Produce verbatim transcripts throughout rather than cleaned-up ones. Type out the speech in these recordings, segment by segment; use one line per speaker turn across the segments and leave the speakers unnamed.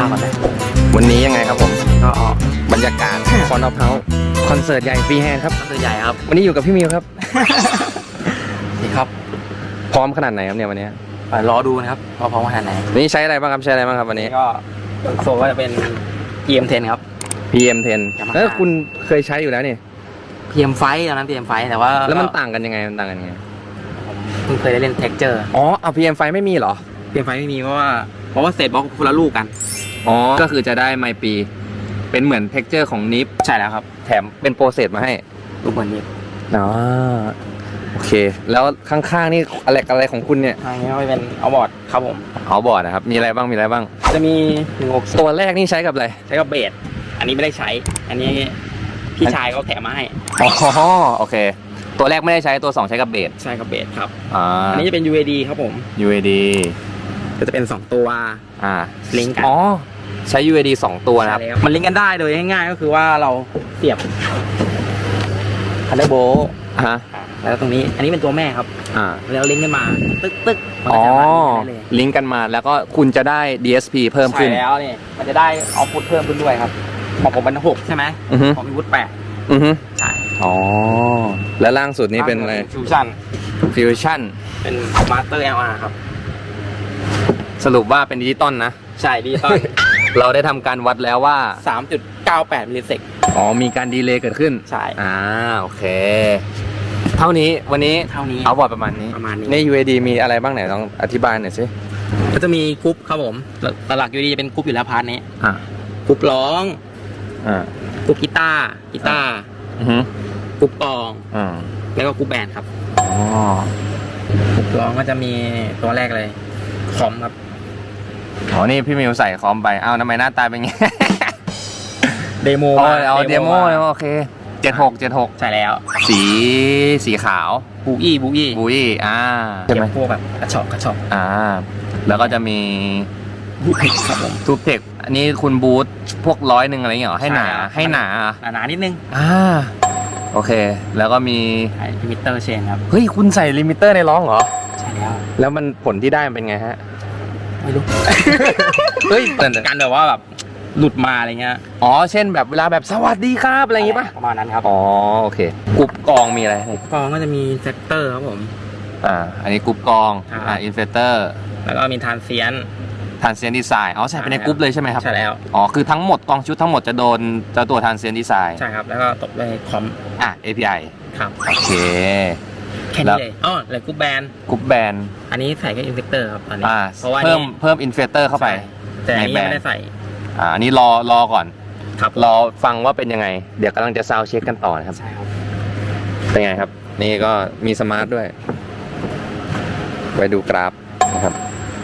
ข้าวก่อนนะ
วันนี้ยังไงครับผม
ก็ออก
บรรยากาศคอนออฟเฮาส์คอนเสิร์ตใหญ่ฟรีแฮนด์ครับ
ตัวใหญ่ครับ
วันนี้อยู่กับพี่มิวครับ
นี่ครับ
พร้อมขนาดไหนครับเนี่ยวันนี้
ไปรอดูนะครับว่าพร้อมขนาดไหน
วันนี้ใช้อะไรบ้างครับใช้อะไรบ้างครับวันนี้
ก็โซนก็จะเป็น พี เอ็ม เท็น ครับ
พี เอ็ม เท็น
Yamaha
แล้วคุณเคยใช้อยู่แล้วนี่
พี เอ็ม ไฟว์ ตอนนั้น พี เอ็ม ไฟว์ แต่ว่า
แล้วมันต่างกันยังไงมันต่างกันยังไง
ผมเพิ่งเคยได้เล่น Texture
อ๋อเอา พี เอ็ม ไฟว์ ไม่มีเหรอ
พี เอ็ม ไฟว์ ไม่มีเพราะว่าเพราะว่าเศษบล็อกคนละลูกกัน
อ๋อก็คือจะได้ไมปี เป็นเหมือนเท็กเจอร์ของนิฟ
ใช่แล้วครับ
แถมเป็นโปรเซสมาให้
ลูกบอลนี้
อ๋อโอเค แล้วข้างๆนี่อะไรอะไรของคุณเนี่ย
ทางนี้ก็เป็นเอาบอร์ดครับผม
เอาบอร์ดนะครับมีอะไรบ้างมีอะไรบ้าง
จะมีหนึ่งหก
ตัวแรกนี่ใช้กับอะไร
ใช้กับเบสอันนี้ไม่ได้ใช้ อันนี้พี่ชายเขาแถมมาให้
อ๋อโอเค ตัวแรกไม่ได้ใช้ตัวสองใช้กับเบส
ใช่กับเบสครับ
อ่า
อันนี้จะเป็น ยู เอ ดี ครับผม
ยู เอ ดี
ก็จะเป็นสองตัว
อ่า
ลิงก์กัน
อ๋อใช้ ยู เอ ดี สองตัวนะครับ
ใช่แล้วมันลิงก์กันได้โดยง่ายๆก็คือว่าเราเสียบคันเดอร์โบ
ฮะ
แล้วตรงนี้อันนี้เป็นตัวแม่ครับ
อ่า
แล้วลิงก์กันมาตึ๊กตึ๊กมัน
อ๋
ก็
อ
จะมาได้เลย
ลิงก์กันมาแล้วก็คุณจะได้ ดี เอส พี เพิ่ม
ใช่
ขึ้น
แล้วนี่มันจะได้ออฟพุตเพิ่มขึ้นด้วยครับของผมเป็นหกใช่ไหม
อือฮึ
ของพี่วุฒิแปด
อือฮึ
ใช่
อ๋อแล้วล่างสุดนี่เป็นอะไร
ฟิวชั่น
ฟิวชั่น
เป็นมาสเตอร์ แอล อาร์ ครับ
สรุปว่าเป็นดิจิตอลนะ
ใช่ดีตอน
เราได้ทำการวัดแล้วว่า
สามจุดเก้าแปดมิลลิเซก
อ๋อมีการดีเลย์เกิดขึ้น
ใช่
อ่าโอเค เท่านี้วันนี้
เท่านี้
เอาบอร์ดประมาณนี้
ประมาณนี้
ใน ยู เอ ดี มีอะไรบ้างไหนลองอธิบายหน่อยสิ
ก็จะมีกรุ๊ปครับผมหลักๆ ยู ดี จะเป็นกรุ๊ปอยู่แล้วพาร์ทนี้
อ่าก
รุ๊ปร้อง
อ่าก
รุ๊ปกีตาร์กีตาร์
อือฮึ
กรุ๊ปกลอง
อ่า
แล้วก็กรุ๊ปแบนด์ครับ
อ๋อก
รุ๊ปร้องก็จะมีตัวแรกเลยคอมครับ
อ๋อนี่พี่มิวใส่คอมไปอ้าวทำไมหน้าตาเป็นไง
เดโม
อ๋อ
มา
เอาเดโมโอเคเจ็ดหกเจ็ดหก
ใช่แล้ว
สีสีขาว
บูอี้บูอี้
บุยอ่า
เก็บพวกแบบกระชอกกระชอก
อ่าแล้วก็จะมี
บูทครับผม
ทูบเทคอันนี้คุณบูทพวกร้อยหนึ่งอะไรอย่างเงี้ยเหรอให้หนา
ใช่ครับ
ให้หนา
หนาๆนิดนึง
อ่าโอเค แล้วก็มี
ใช่ลิมิเตอร์เชนครับ
เฮ้ยคุณใส่ลิมิเตอร์ในร้องเหรอ
ใช่แล้ว
แล้วมันผลที่ได้มันเป็นไงฮะ
ไม่รู้
เฮ้ยแต่
การแบบว่าแบบหลุดมาอะไรเงี้ย
อ๋อเช่นแบบเวลาแบบสวัสดีครับอะไรอย่างงี้ป่ะ
ประมาณนั้นครับ
อ๋อโอเคกรุ๊ปกองมีอะไร
กองก็จะมีเซกเตอร์ครับผม
อ่าอันนี้กรุ๊ปกอง
ครับ
อ่าอินเฟเตอร์
แล้วก็มีทานเซียน
ทานเซียนดีไซน์อ๋อใส่ไปในกรุ๊ปเลยใช่ไหมครับ
ใช่แล้ว
อ๋อคือทั้งหมดกองชุดทั้งหมดจะโดนเจ้าตัวทานเซียนดีไซน์
ใช่ครับ แล้วก็ตบด้วยคอม
อ่ะ เอ พี ไอ
ครับ
โอเค
แค่
แล้
นี้
ว
เลยอ๋อเลยกรุ๊ปแบน
กรุ๊ปแบน
อันนี้ใส่แค่อินเซกเตอร์ครับตอนนี้
อ่า
เพราะว่า
เพิ่ม
นี่
เพิ่มอินเฟเตอร์เข้าไป
ใช่แต่อันนี้
ในแบ
ยัง
น
ไม่ได้ใส่
อ่าอันนี้รอรอก่อน
ครับ
รอฟังว่าเป็นยังไง เดี๋ยวกำลังจะซาวด์เช็คกันต่อนะครับ
ใช่ครับ
เป็นไงครับ นี่ก็มีสมาร์ทด้วย ไว้ดูกราฟนะครับ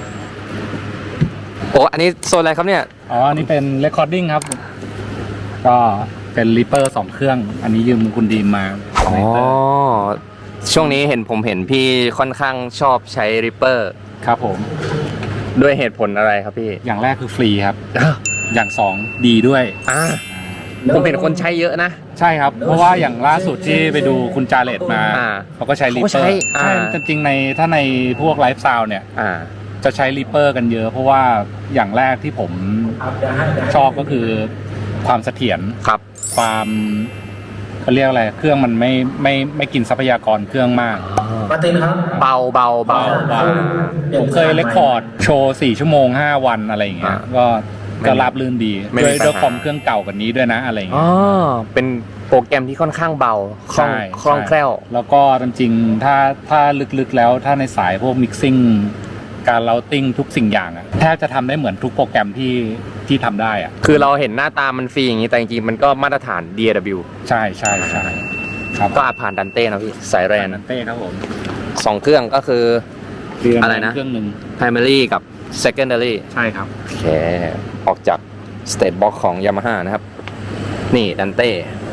โอ้อันนี้โซนอะไรครับเนี่ย
อ๋อ อันนี้เป็น recording ครับ ก็เป็น Reaper สองเครื่อง อันนี้ยืมคุณดีมมา
อ๋อ ช่วงนี้เห็นผมเห็นพี่ค่อนข้างชอบใช้ Reaper
ครับผม
ด้วยเหตุผลอะไรครับพี่
อย่างแรกคือฟรีครับ อย่างสองดีด้วย
อ่าผมเห็นคนใช้เยอะนะ
ใช่ครับ เพราะว่าอย่างล่าสุดที่ไปดูคุณจาเลตมา
อ่า
เขาก็ใช้
เขาก็
Reaper
ใช้อ่า
ใช่จริงๆในถ้าในพวกไลฟ์ซาวเนี่ย
อ่า
จะใช้ Reaper กันเยอะ เพราะว่าอย่างแรกที่ผมชอบก็คือความเสถียร
ครับ
ความเขาเรียกอะไร เครื่องมันไม่ไม่ไม่กินทรัพยากรเครื่องมาก
เบาเบาเบา
เบาๆผมเคยเรคคอร์ดโชว์สี่ชั่วโมงห้าวันอะไรอย่างเงี้ย
อ่า
ก็
ไม่
ก็
มี
ราบรื่นดี
ไม่
ด้
มี
วย
ปัญหา
ด้วยคอมเครื่องเก่ากว่านี้ด้วยนะอะไรอย่าง
อ๋
เงี้
อย เป็นโปรแกรมที่ค่อนข้างเบาคล่อง
ใช่
คล่องแคล่ว
แล้วก็จริงๆถ้าถ้าลึกๆแล้วถ้าในสายพวกมิกซิ่งการเราติ้งทุกสิ่งอย่างอะแทบจะทำได้เหมือนทุกโปรแกรมที่ที่ทำได้อะ
คือเราเห็นหน้าตามันฟรีอย่างนี้แต่จริงๆมันก็มาตรฐาน ดี เอ ดับเบิลยู
ใช่ใช่ใช่ครับ
ก็อาจผ่านดันเต้นะพี่ สายแรน
นันเต้ครับผม
สองเครื่องก็คือ
เครื่อง
อะไรนะ
เครื่องหนึ่ง
primary กับ secondary
ใช่ครับ
โอเค ออกจาก state box ของ Yamaha นะครับ นี่ดันเต้